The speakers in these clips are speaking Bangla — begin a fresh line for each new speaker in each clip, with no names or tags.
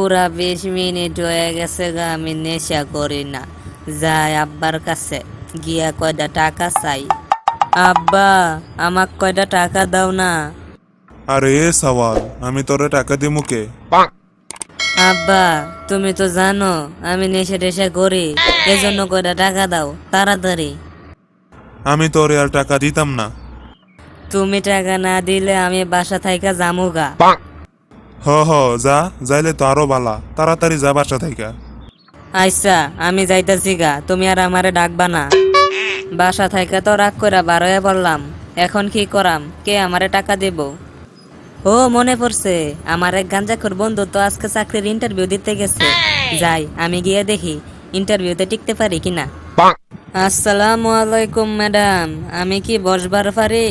পুরা 20 মিনিট হয়ে গেছে গা, আমি নেশা করি না। যাই আব্বার কাছে গিয়া কয়টা টাকা চাই। আব্বা, আমাক কয়টা টাকা দাও না।
আরে সওয়াল, আমি তোরে টাকা দিমু কে?
আব্বা, তুমি তো জানো আমি নেশা টেশা করি, এজন্য কয়টা টাকা দাও তাড়াতাড়ি।
আমি তোরে আর টাকা দিতাম না।
তুমি টাকা না দিলে আমি বাসা থাইকা জামুগা।
হ যা, যাইলে তো আরো বালা, তাড়াতাড়ি যা বাসা থাইকা।
আচ্ছা, আমি যাইতাছি গা, তুমি আর আমারে ডাকবা না। বাসা থাইকা তো রাগ কইরা বার হয়ে পড়লাম, এখন কি করাম, কে আমারে টাকা দেব? ও মনে পড়ছে, আমার এক গাঞ্জাখোর বন্ধু তো আজকে চাকরির ইন্টারভিউ দিতে গেছে। যাই আমি গিয়ে দেখি ইন্টারভিউতে টিকতে পারি কিনা। আসসালামু আলাইকুম ম্যাডাম, আমি কি বসবার পারি?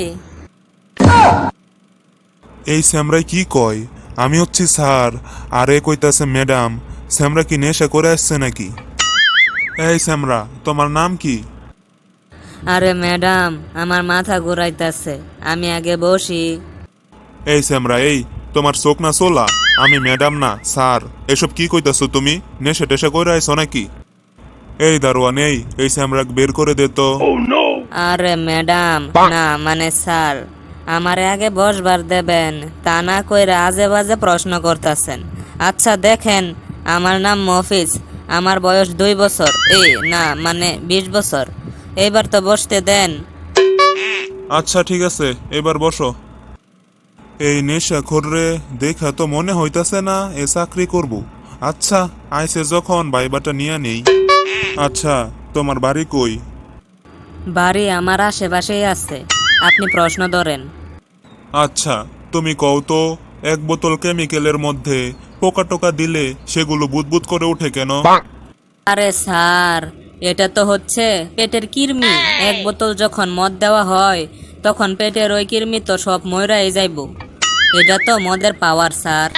এই স্যামরাই কি কয়? আমি হচ্ছি স্যার, আরে কইতাছে ম্যাডাম। স্যামরা কি নেশা করে আসছে নাকি? এই স্যামরা, তোমার নাম কি?
আরে ম্যাডাম, আমার মাথা ঘুরাইতেছে, আমি আগে বসি।
এই স্যামরা, এই তোমার চোখ না চোলা? আমি ম্যাডাম না স্যার। এসব কি কইতাছো তুমি? নেশা টেশা করে আইছো নাকি? এই দারোয়ান, এই স্যামরাক বের করে দে তো।
আরে ম্যাডাম না, মানে স্যার, আমারে আগে বসবার দেবেন, তা না কইরা আজে বাজে প্রশ্ন করতেছেন। আচ্ছা দেখেন, আমার নাম মফিজ, আমার বয়স 2 বছর, না মানে 20 বছর। এইবার তো বসতে দেন।
আচ্ছা ঠিক আছে, এবার বসো। এই নেশা খোররে দেখা তো মনে হইতাছে না এ চাকরি করব। আচ্ছা, আইসে যখন বাইবাটা নিয়ে নেই। আচ্ছা, তোমার বাড়ি কই?
বাড়ি আমার আশেপাশেই আছে, আপনি প্রশ্ন ধরেন।
আচ্ছা, তুমি কও তো, এক বোতল কেমিক্যালের মধ্যে পোকা টোকা দিলে সেগুলো বুদবুদ করে ওঠে কেন?
আরে স্যার, এটা তো হচ্ছে পেটের কৃমি। এক বোতল যখন মদ দেওয়া হয় তখন পেটের ওই কৃমি তো সব ময়রাই যাইব। এটা তো মদের পাওয়ার স্যার।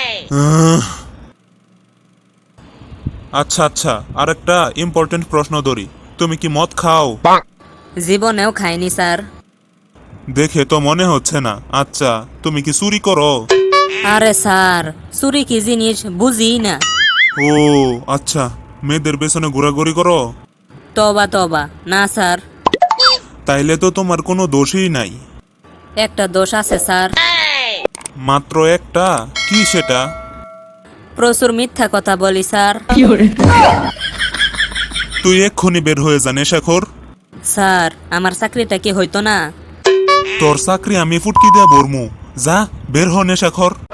আচ্ছা আচ্ছা, আরেকটা ইম্পর্টেন্ট প্রশ্ন ধরি, তুমি কি মদ খাও?
জীবনেও খাইনি স্যার।
দেখে তো মনে হচ্ছে না। আচ্ছা, তুমি কি চুরি করো?
আরে স্যার, চুরি কি জিনিস বুঝি না।
ও আচ্ছা, মেয়েদের পেছনে ঘোরাঘুরি করো?
তবা তবা, না স্যার।
তাইলে তো তোমার কোনো দোষই নাই।
একটা দোষ আছে স্যার।
মাত্র একটা? কি সেটা?
প্রচুর মিথ্যা কথা বলি স্যার।
তুই এক্ষুনি বের হয়ে যা নেশাখোর।
স্যার, আমার চাকরিটা কি হইতো না?
তোর চাকরি আমি ফুটকি দিয়ে ভরমু। যা বের হ নেশাখোর।